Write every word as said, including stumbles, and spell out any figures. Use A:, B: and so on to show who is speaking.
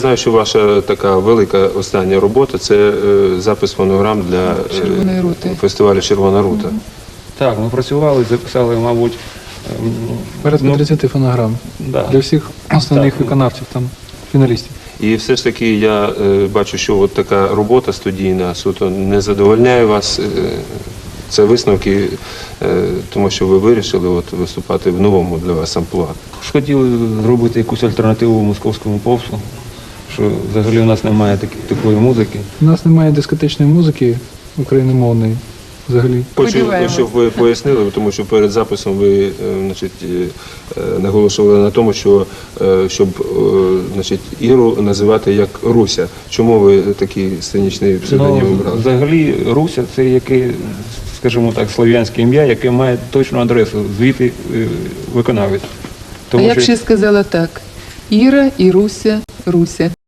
A: Знаю, що ваша така велика остання робота – це е, запис фонограм для е,
B: Червоної рути.
A: фестивалю «Червона рута».
C: Так, ми працювали, записали, мабуть, ем,
D: Порядка
C: ну,
D: тридцяти фонограм
C: да.
D: для всіх основних
C: Так.
D: виконавців, там, фіналістів.
A: І все ж таки я е, бачу, що от така робота студійна суто не задовольняє вас. Е, це висновки, е, тому що ви вирішили от, виступати в новому для вас амплуа.
C: Хотіли зробити якусь альтернативу московському попсу, що взагалі у нас немає такі, такої музики.
D: У нас немає дискотечної музики україномовної взагалі.
A: Хочу,
B: Сподіваємось.
A: щоб ви пояснили, тому що перед записом ви е, значить, е, наголошували на тому, що е, щоб е, значить, Іру називати як Руся. Чому ви такий сценічний псевдонім
C: Ну,
A: обрали?
C: взагалі Руся це яке, скажімо так, слов'янське ім'я, яке має точну адресу, звідти е, виконавець.
B: А я б ще сказала так: Іра, Іруся, Руся.